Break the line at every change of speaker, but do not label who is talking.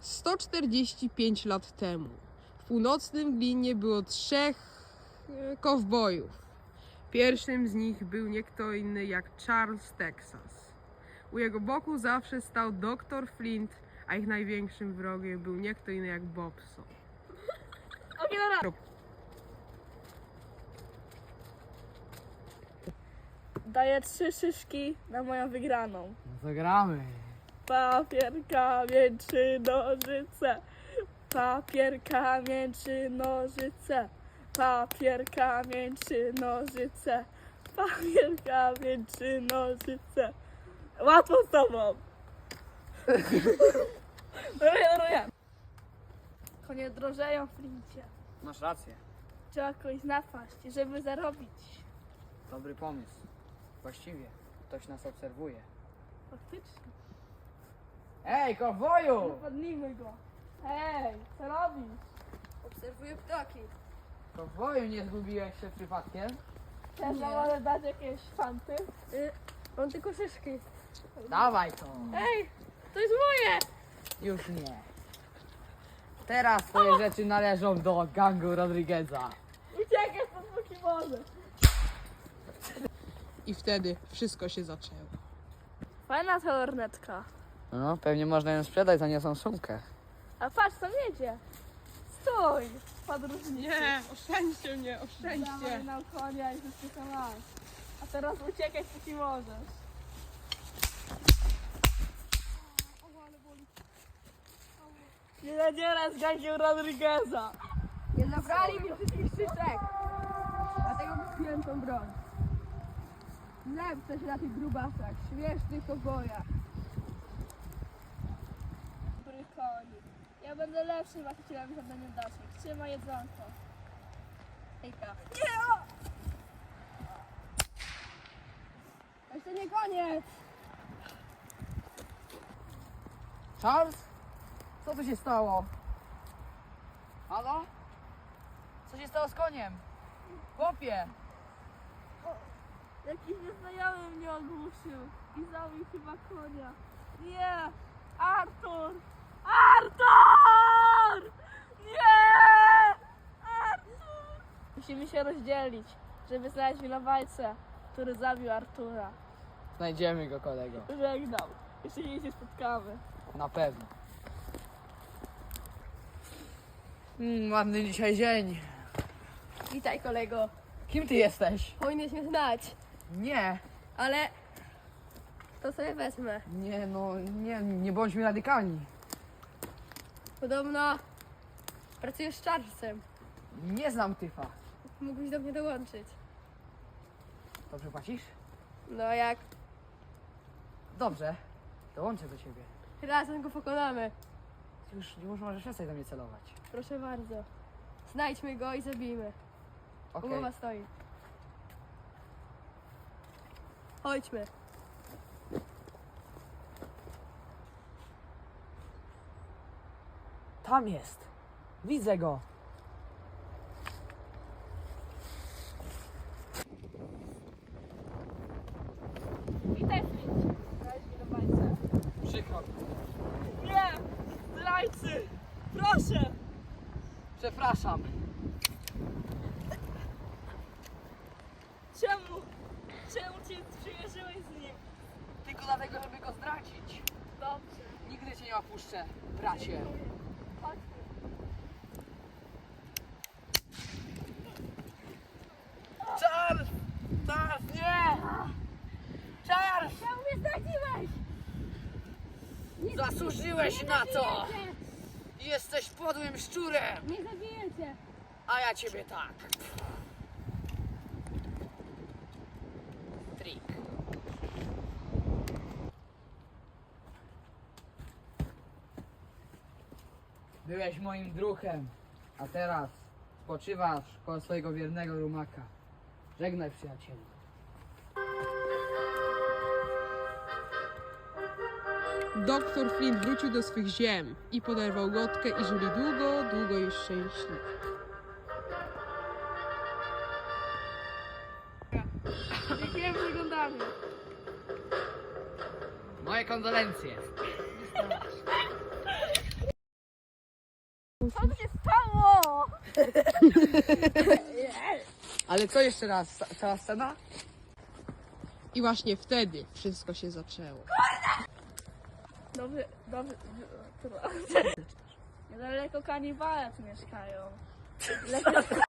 145 lat temu w północnym Glinie było 3 kowbojów. Pierwszym z nich był nie kto inny jak Charles Texas. U jego boku zawsze stał dr Flint, a ich największym wrogiem był nie kto inny jak Bobson.
Daję 3 szyszki na moją wygraną.
Zagramy.
Papier, kamień czy nożyce. Papier, kamień czy nożyce. Papier, kamień czy nożyce. Papier, kamień czy nożyce. Łatwo z tobą. Ruję. Konie drożeją w Flincie.
Masz rację.
Trzeba kogoś napaść, żeby zarobić.
Dobry pomysł. Właściwie ktoś nas obserwuje.
Faktycznie.
Ej, kowboju!
Napadnijmy go. Hej, co robisz?
Obserwuję ptaki.
Kowboju, nie zgubiłeś się przypadkiem?
Też nam może dać jakieś fanty?
Mam tylko szyszki.
Dawaj to.
Ej, to jest moje!
Już nie. Teraz twoje rzeczy należą do gangu Rodrigueza.
Uciekaj stąd póki możesz.
I wtedy wszystko się zaczęło.
Fajna ta lornetka.
No, pewnie można ją sprzedać za niosą sumkę.
A patrz, tam jedzie. Stój, podróżnicy.
Nie, oszczędźcie mnie,
Dawaj
oszczędźcie.
nam konia i wszystko masz. A teraz uciekaj póki możesz. Nie nadzieraj z gangiem Rodrigueza.
Nie zabrali mi wszystkich szyszek. Dlatego kupiłem tą broń. Lepsze się na tych grubasach, śmiesznych kowbojach.
Dobry konik. Ja będę lepszym właścicielem zadaniem daszek. Trzymaj jedzonko.
Hejka. Jeszcze nie koniec.
Charles? Co tu się stało? Halo? Co się stało z koniem? Chłopie!
Jakiś nieznajomy mnie ogłuszył i zabił chyba konia. Nie! Artur! Artur! Nie! Artur! Musimy się rozdzielić, żeby znaleźć winowajcę, który zabił Artura.
Znajdziemy go, kolego.
Żegnam. Jeszcze się nie spotkamy.
Na pewno. Ładny dzisiaj dzień.
Witaj kolego.
Kim ty jesteś?
Powinieneś mnie znać,
Nie,
ale to sobie wezmę.
nie, no, nie bądźmy radykalni.
Podobno pracujesz z Charlesem.
Nie znam tyfa.
Mógłbyś do mnie dołączyć.
Dobrze płacisz?
No jak
Dobrze. Dołączę do ciebie.
razem go pokonamy.
Już możesz przestać do mnie celować.
Proszę bardzo. Znajdźmy go i zabijmy.
Okej.
Umowa stoi. Chodźmy.
Tam jest. Widzę go.
Witaj, Flint. Znaleźć winowajcę.
Przykro.
Nie! Zdrajcy! Proszę!
Przepraszam.
Czemu? Czemu cię przymierzyłeś z nim?
Tylko dlatego, żeby go zdradzić.
Dobrze.
Nigdy cię nie opuszczę, bracie.
Chodźmy.
Charles! Charles, nie! Charles!
Czemu mnie zdradziłeś?
Zasłużyłeś na to! Jesteś podłym szczurem!
Nie zabiję cię.
A ja ciebie tak. Trik. Byłeś moim druhem, a teraz spoczywasz koło swojego wiernego rumaka. Żegnaj, przyjacielu.
Doktor Flint wrócił do swych ziem i poderwał Gotkę i żyli długo, długo i szczęśliwie.
Dziękuję za oglądanie.
Moje kondolencje.
Co tu się stało?
Ale co jeszcze raz? Cała scena?
I właśnie wtedy wszystko się zaczęło.
Dobrze. Niedaleko kanibale tu mieszkają.